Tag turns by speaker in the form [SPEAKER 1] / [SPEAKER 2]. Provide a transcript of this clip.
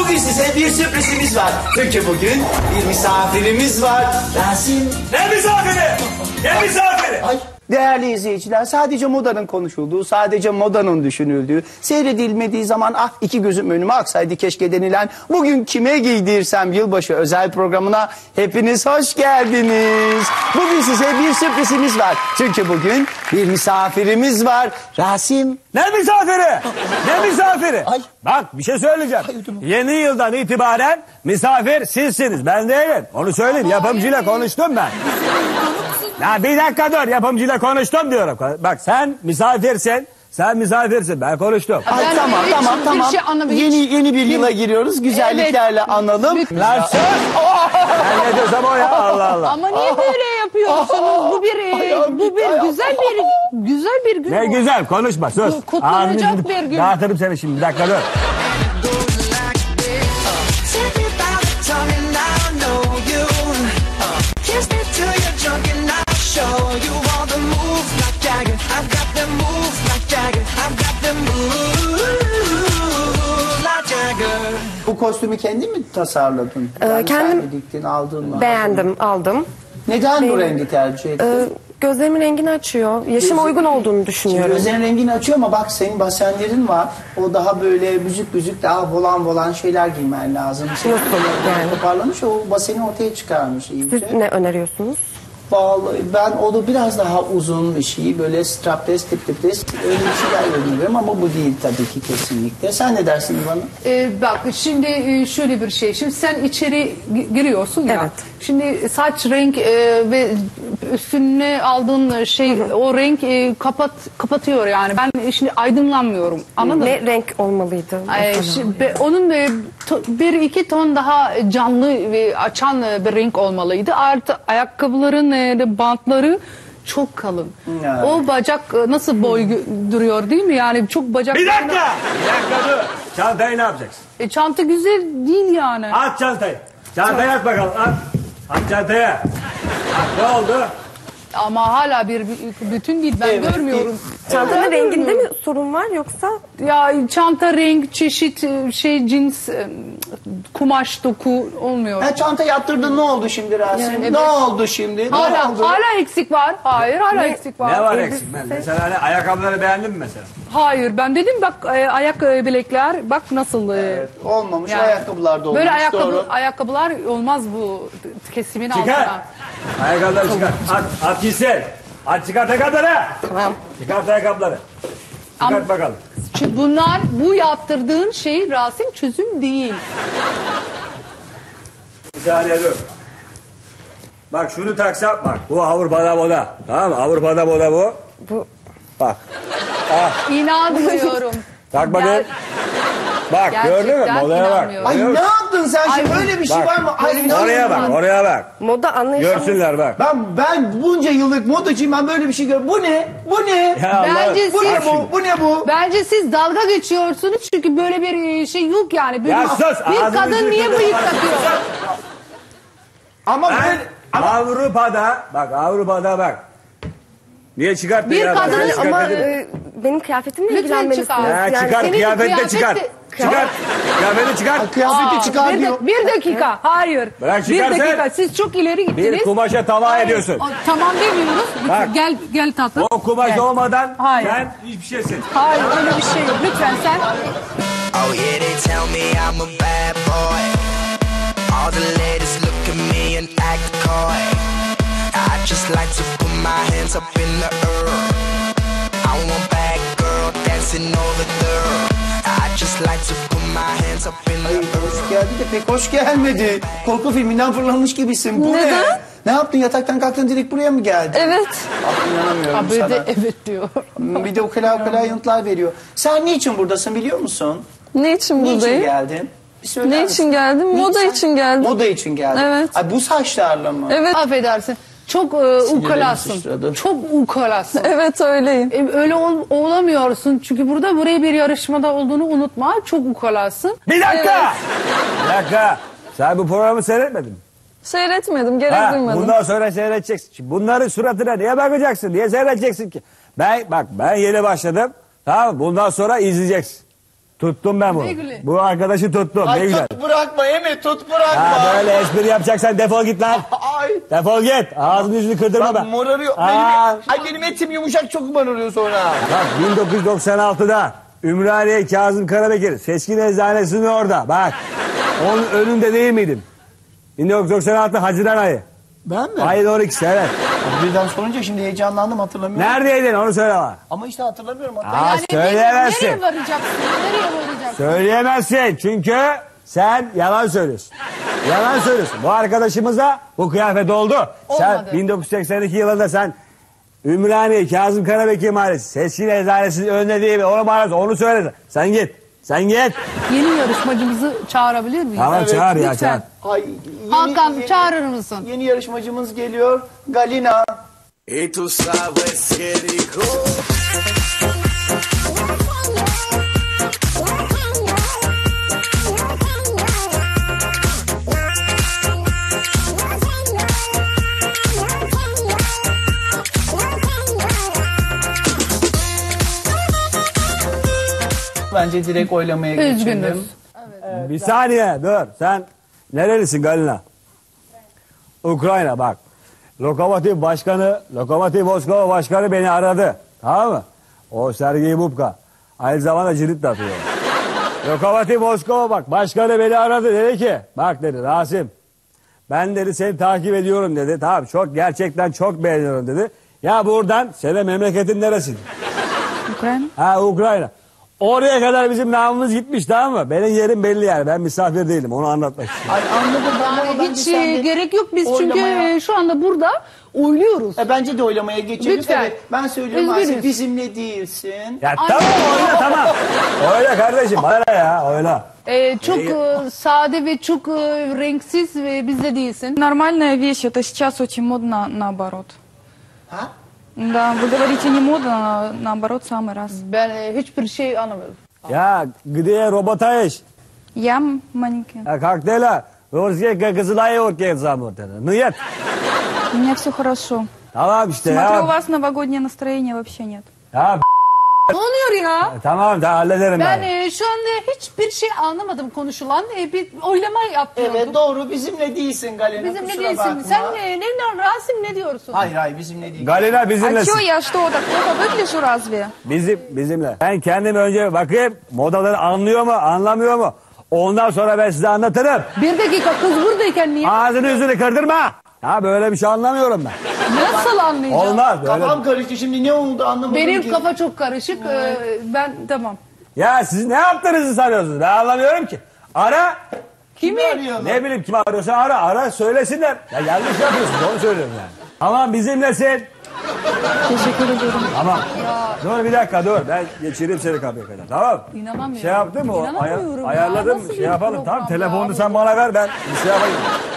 [SPEAKER 1] Bugün size bir sürprizimiz var. Çünkü bugün bir misafirimiz var. Rasim.
[SPEAKER 2] Ne misafiri? Ne misafiri?
[SPEAKER 1] Ay. Değerli izleyiciler, sadece modanın konuşulduğu, sadece modanın düşünüldüğü, seyredilmediği zaman ah iki gözüm önüme aksaydı keşke denilen bugün kime giydirsem yılbaşı özel programına hepiniz hoş geldiniz. Bugün size bir sürprizimiz var. Çünkü bugün bir misafirimiz var. Rasim.
[SPEAKER 2] Ne misafiri? Ne misafiri?
[SPEAKER 1] Ay.
[SPEAKER 2] Bak bir şey söyleyeceğim. Yeni yıldan itibaren misafir sizsiniz. Ben değilim. Onu söyleyeyim. Yapımcıyla konuştum ben. Ya bir dakika dur. Yapımcıyla konuştum diyorum. Bak sen misafirsin. Sen misafirsin. Ben konuştum.
[SPEAKER 1] Ay, tamam. Yeni bir yıla giriyoruz. Güzelliklerle analım.
[SPEAKER 2] Lan sus! Ben ne diyorsam o ya. Allah Allah.
[SPEAKER 3] Ama niye böyle yapıyorsunuz? Bu bir güzel bir gün.
[SPEAKER 2] Ne güzel konuşma sus.
[SPEAKER 3] Kutlanacak bir gün.
[SPEAKER 2] Dağıtırım seni şimdi. Bir dakika dur.
[SPEAKER 1] Bu kostümü kendin mi tasarladın?
[SPEAKER 4] Kendim
[SPEAKER 1] diktin, aldın mı?
[SPEAKER 4] beğendim, aldım.
[SPEAKER 1] Neden bu rengi tercih ettin?
[SPEAKER 4] Gözlerimin rengini açıyor. Yaşıma uygun olduğunu düşünüyorum.
[SPEAKER 1] Gözlerin rengini açıyor ama bak senin basenlerin var. O daha böyle büzük daha volan şeyler giymen lazım.
[SPEAKER 4] Nasıl yani?
[SPEAKER 1] Toparlamış o baseni ortaya çıkarmış iyice.
[SPEAKER 4] Siz ne öneriyorsunuz?
[SPEAKER 1] Vallahi ben onu biraz daha uzun bir şey böyle strapless tiples öyle bir şeyler öneriyorum ama bu değil tabii ki kesinlikle. Sen ne dersin bana?
[SPEAKER 3] Bak şimdi şöyle bir şey. Şimdi sen içeri giriyorsun ya.
[SPEAKER 4] Evet.
[SPEAKER 3] Şimdi saç renk ve üstüne aldığın şey o renk kapatıyor yani. Ben şimdi aydınlanmıyorum. Anladın mı?
[SPEAKER 4] Ne renk olmalıydı?
[SPEAKER 3] Onun bir iki ton daha canlı ve açan bir renk olmalıydı. Artı ayakkabıların bantları çok kalın.
[SPEAKER 1] Evet.
[SPEAKER 3] O bacak nasıl boy duruyor değil mi? Yani çok bacak.
[SPEAKER 2] Bir dakika. Dur. Çantayı ne yapacaksın?
[SPEAKER 3] Çanta güzel değil yani.
[SPEAKER 2] At çantayı. Çantayı at bakalım. At çantaya. Ne oldu?
[SPEAKER 3] Ama hala bir bütün değil. Ben görmüyorum.
[SPEAKER 4] Çantanın renginde mi sorun var yoksa?
[SPEAKER 3] Ya çanta renk, çeşit cins, kumaş, doku olmuyor.
[SPEAKER 1] Ha, çanta yaptırdın ne oldu şimdi Rasim?
[SPEAKER 3] Yani evet.
[SPEAKER 1] Ne oldu şimdi?
[SPEAKER 3] Hala eksik var. Hayır, hala eksik var.
[SPEAKER 2] Ne var eksik? Mesela hani ayakkabıları beğendin mi mesela?
[SPEAKER 3] Hayır, ben dedim bak ayak bilekler bak nasıl.
[SPEAKER 1] Evet, olmamış
[SPEAKER 3] Yani,
[SPEAKER 1] ayakkabılar da olmuş.
[SPEAKER 3] Böyle
[SPEAKER 1] doğru.
[SPEAKER 3] ayakkabılar olmaz bu kesimin
[SPEAKER 2] Çıkar.
[SPEAKER 3] altına.
[SPEAKER 2] Ayakkabıları çıkar. At gitsin. At çıkart ayakkabıları.
[SPEAKER 4] Tamam.
[SPEAKER 2] Çıkart ayakkabıları. Çıkart bakalım.
[SPEAKER 3] Çünkü bu yaptırdığın şey Rasim çözüm değil.
[SPEAKER 2] Bir saniye dur. Bak şunu taksam bak. Bu Avrupa'da moda. Tamam mı? Avrupa'da moda bu.
[SPEAKER 4] Bu
[SPEAKER 2] Bak.
[SPEAKER 3] İnanmıyorum.
[SPEAKER 2] Tak bakayım. Bak gördün mü?
[SPEAKER 3] Gerçekten
[SPEAKER 2] Modaya bak.
[SPEAKER 3] inanmıyorum.
[SPEAKER 1] Ay
[SPEAKER 2] Görüyor
[SPEAKER 1] ne
[SPEAKER 2] musun?
[SPEAKER 1] yaptın sen şimdi? Öyle bir şey var mı? Ay,
[SPEAKER 2] Oraya bak, oraya bak.
[SPEAKER 4] moda anlayışınız.
[SPEAKER 2] Görsünler bak.
[SPEAKER 1] Ben bunca yıllık modacıyım, ben böyle bir şey görüyorum. Bu ne? Bu ne?
[SPEAKER 2] Ya Allah.
[SPEAKER 3] Bence
[SPEAKER 1] Bu ne
[SPEAKER 3] siz,
[SPEAKER 1] bu? Bu ne bu?
[SPEAKER 3] bence siz dalga geçiyorsunuz çünkü böyle bir şey yok yani. Böyle
[SPEAKER 2] Ya sus,
[SPEAKER 3] bir
[SPEAKER 2] ağzını
[SPEAKER 3] kadın
[SPEAKER 2] yüzünü
[SPEAKER 3] niye
[SPEAKER 2] kırpma.
[SPEAKER 3] bıyık takıyor?
[SPEAKER 1] Ama
[SPEAKER 2] Ben
[SPEAKER 1] böyle...
[SPEAKER 2] Avrupa'da, bak Avrupa'da bak. Niye çıkarttın
[SPEAKER 3] Bir
[SPEAKER 2] ya?
[SPEAKER 3] kadın
[SPEAKER 2] Niye
[SPEAKER 4] Ama
[SPEAKER 2] çıkarttın?
[SPEAKER 4] benim kıyafetimle
[SPEAKER 3] Lütfen
[SPEAKER 4] ilgilenmelisiniz.
[SPEAKER 3] çıkar.
[SPEAKER 2] Ya
[SPEAKER 3] Yani
[SPEAKER 2] çıkar,
[SPEAKER 3] senin
[SPEAKER 2] kıyafette çıkar. Çıkar, kıyafeti çıkar.
[SPEAKER 1] Kıyafeti çıkar
[SPEAKER 3] bir,
[SPEAKER 1] diyor.
[SPEAKER 3] bir dakika, hayır.
[SPEAKER 2] Bırak
[SPEAKER 3] bir
[SPEAKER 2] çıkar sen.
[SPEAKER 3] dakika, siz çok ileri gittiniz.
[SPEAKER 2] Bir kumaşa tava ediyorsun.
[SPEAKER 3] Tamam demiyoruz.
[SPEAKER 2] Bak.
[SPEAKER 3] Gel tatlım.
[SPEAKER 2] O kumaş
[SPEAKER 3] Gel.
[SPEAKER 2] olmadan
[SPEAKER 3] Hayır.
[SPEAKER 2] sen hiçbir şeysin.
[SPEAKER 3] Hayır, öyle bir şey yok. Lütfen sen.
[SPEAKER 5] Oh yeah, they tell me I'm a bad boy. All the ladies look at me and act coy. I just like to put my hands up in the air. I want bad girl dancing over there. I just like to put my hands up in the
[SPEAKER 1] Ay,
[SPEAKER 5] air.
[SPEAKER 1] hoş geldi de pek hoş gelmedi. Korku filminden fırlamış gibisin. Bu ne? Ne yaptın? Yataktan kalktın direkt buraya mı geldin?
[SPEAKER 4] Evet.
[SPEAKER 1] Ah, inanamıyorum
[SPEAKER 3] Abi
[SPEAKER 1] sana.
[SPEAKER 3] de evet diyor.
[SPEAKER 1] Bir de ukala yanıtlar veriyor. Sen niçin buradasın biliyor musun?
[SPEAKER 6] Ne için
[SPEAKER 1] Niçin
[SPEAKER 6] buradayım?
[SPEAKER 1] geldin? Bir söyler
[SPEAKER 6] Ne
[SPEAKER 1] misin?
[SPEAKER 6] için geldim? Moda
[SPEAKER 1] Niçin?
[SPEAKER 6] için geldim.
[SPEAKER 1] Moda için geldin.
[SPEAKER 6] Evet.
[SPEAKER 1] Ay, bu saçlarla mı?
[SPEAKER 6] Evet,
[SPEAKER 3] Affedersin. Çok ukalasın.
[SPEAKER 1] sıçradı.
[SPEAKER 3] Çok ukalasın.
[SPEAKER 6] evet öyleyim.
[SPEAKER 3] Öyle olamıyorsun. Çünkü buraya bir yarışmada olduğunu unutma. Çok ukalasın.
[SPEAKER 2] Bir dakika! Bir dakika. Sen bu programı seyretmedin mi?
[SPEAKER 6] Seyretmedim, gerek
[SPEAKER 2] Ha,
[SPEAKER 6] duymadım.
[SPEAKER 2] bundan sonra seyredeceksin. Şimdi bunların suratına niye bakacaksın? Niye seyredeceksin ki? Ben yeni başladım. Tamam mı? Bundan sonra izleyeceksin. Tuttum ben bunu.
[SPEAKER 3] Ne güle.
[SPEAKER 2] Bu arkadaşı tuttum. Ne
[SPEAKER 1] Ay
[SPEAKER 2] güzel.
[SPEAKER 1] tut bırakma Emi tut bırakma.
[SPEAKER 2] Ha, böyle espri yapacaksan defol git lan.
[SPEAKER 1] Ay.
[SPEAKER 2] Defol git. Ağzını yüzünü kırdırma
[SPEAKER 1] Bak
[SPEAKER 2] ben.
[SPEAKER 1] morarıyor.
[SPEAKER 2] Aa.
[SPEAKER 1] Benim etim yumuşak çok morarıyor sonra.
[SPEAKER 2] Bak 1996'da Ümraniye Kazım Karabekir Seçkin Eczanesi'nin orada. Bak. Onun önünde değil miydim? 1996 Haziran ayı.
[SPEAKER 1] Ben mi?
[SPEAKER 2] Ayın 12'si evet.
[SPEAKER 1] Birden sorunca şimdi heyecanlandım hatırlamıyorum.
[SPEAKER 2] Neredeydin onu söyle bana.
[SPEAKER 1] Ama işte hatırlamıyorum.
[SPEAKER 2] Aa, söyleyemezsin.
[SPEAKER 3] Nereye varacaksın? Nereye varacaksın?
[SPEAKER 2] Söyleyemezsin çünkü sen yalan söylüyorsun. Yalan söylüyorsun. Bu arkadaşımız da bu kıyafet oldu. Sen
[SPEAKER 3] Olmadı.
[SPEAKER 2] 1982 yılında sen Ümraniye Kazım Karabekir Mahallesi Seçkin Eczanesi'nin önünde değil mi? Onu söyle. Sen git. Sen git.
[SPEAKER 3] Yeni yarışmacımızı çağırabilir miyiz?
[SPEAKER 2] Tamam çağır ya
[SPEAKER 3] Lütfen.
[SPEAKER 2] çağır.
[SPEAKER 1] Ay,
[SPEAKER 3] Hakan çağırır mısın?
[SPEAKER 1] Yeni yarışmacımız geliyor. Galina.
[SPEAKER 5] Y tú sabes que dijo.
[SPEAKER 1] Bence direkt oylamaya geçelim.
[SPEAKER 3] Üzgünüz.
[SPEAKER 2] Bir saniye dur. Sen nerelisin Galina? Ukrayna bak. Lokomotiv Moskova Başkanı beni aradı. Tamam mı? O Sergey Bubka. Aynı zamanda cirit de atıyor. Lokomotiv Moskova bak. Başkanı beni aradı. Dedi ki bak dedi Rasim. Ben dedi seni takip ediyorum dedi. Tamam gerçekten çok beğeniyorum dedi. Ya buradan senin memleketin neresi?
[SPEAKER 3] Ukrayna.
[SPEAKER 2] Ha Ukrayna. Oraya kadar bizim namımız gitmiş tamam mı? Benim yerim belli yani. Ben misafir değilim. Onu anlatmak istiyorum.
[SPEAKER 1] Ay anladım ben
[SPEAKER 3] Yani
[SPEAKER 1] oradan
[SPEAKER 3] hiç
[SPEAKER 1] bir sen de
[SPEAKER 3] gerek yok biz
[SPEAKER 1] oylamaya-
[SPEAKER 3] çünkü şu anda burada oyluyoruz.
[SPEAKER 1] Bence de oylamaya geçelim.
[SPEAKER 3] Lütfen.
[SPEAKER 1] Evet, ben söylüyorum
[SPEAKER 3] Üzgünüz.
[SPEAKER 1] Asil bizimle değilsin.
[SPEAKER 2] Ya tamam oyla tamam. Oyla kardeşim. Bana ne ya oyla.
[SPEAKER 3] Çok sade ve çok renksiz ve bizde değilsin.
[SPEAKER 7] Нормальная вещь, это сейчас очень модно наоборот.
[SPEAKER 1] Ha?
[SPEAKER 7] Да, вы говорите не модно, а наоборот самый раз.
[SPEAKER 3] Ben hiçbir şey anlamıyorum.
[SPEAKER 2] Ya gıdiye robotayiş.
[SPEAKER 7] Я маленькая.
[SPEAKER 2] Ya kokteyla. Rusya kızılayı orkaya zamurtene. Niyet.
[SPEAKER 7] У меня все хорошо.
[SPEAKER 2] Tamam işte
[SPEAKER 7] Смотрю, у
[SPEAKER 2] ya.
[SPEAKER 7] вас новогоднее настроение вообще нет.
[SPEAKER 2] Ya
[SPEAKER 3] Ne oluyor ya?
[SPEAKER 2] tamam da hallederim
[SPEAKER 3] Ben
[SPEAKER 2] ben.
[SPEAKER 3] şu anda hiçbir şey anlamadım konuşulan. Bir oylama yapıyorduk.
[SPEAKER 1] Evet doğru bizimle değilsin Galina.
[SPEAKER 3] Bizimle
[SPEAKER 1] kusura
[SPEAKER 3] değilsin.
[SPEAKER 1] bakma.
[SPEAKER 3] Sen Rasim ne diyorsun?
[SPEAKER 1] Hayır bizimle değil.
[SPEAKER 2] Galina
[SPEAKER 7] А
[SPEAKER 2] bizimlesin.
[SPEAKER 7] что, я что, так плохо выгляжу разве?
[SPEAKER 2] Bizimle. Ben kendim önce bakayım modaları anlıyor mu anlamıyor mu? Ondan sonra ben size anlatırım.
[SPEAKER 3] Bir dakika kız buradayken niye?
[SPEAKER 2] Ağzını yüzünü kırdırma. Ya böyle bir şey anlamıyorum ben.
[SPEAKER 3] Nasıl anlayacağım?
[SPEAKER 2] Olmaz böyle.
[SPEAKER 1] Kafam karıştı şimdi ne oldu anlamadım
[SPEAKER 3] Benim
[SPEAKER 1] ki.
[SPEAKER 3] kafa çok karışık. Ben tamam.
[SPEAKER 2] Ya siz ne yaptığınızı sanıyorsunuz? Ben anlamıyorum ki. Ara.
[SPEAKER 3] Kimi?
[SPEAKER 1] arıyorlar?
[SPEAKER 2] Ne bileyim kim arıyorsa ara söylesinler. Ya yanlış yapıyorsunuz onu söylüyorum yani. Tamam bizimlesin.
[SPEAKER 7] Teşekkür ederim.
[SPEAKER 2] Tamam. Dur bir dakika dur. Ben geçireyim seni kapıya kadar. Tamam.
[SPEAKER 3] İnanamıyorum.
[SPEAKER 2] Şey yaptın mı?
[SPEAKER 3] İnanamıyorum ya.
[SPEAKER 2] Ayarladım.
[SPEAKER 3] Nasıl
[SPEAKER 2] Şey
[SPEAKER 3] bir
[SPEAKER 2] yapalım.
[SPEAKER 3] program
[SPEAKER 2] Tamam
[SPEAKER 3] ya
[SPEAKER 2] telefonunu
[SPEAKER 3] bu?
[SPEAKER 2] sen bana ver ben bir şey yapayım.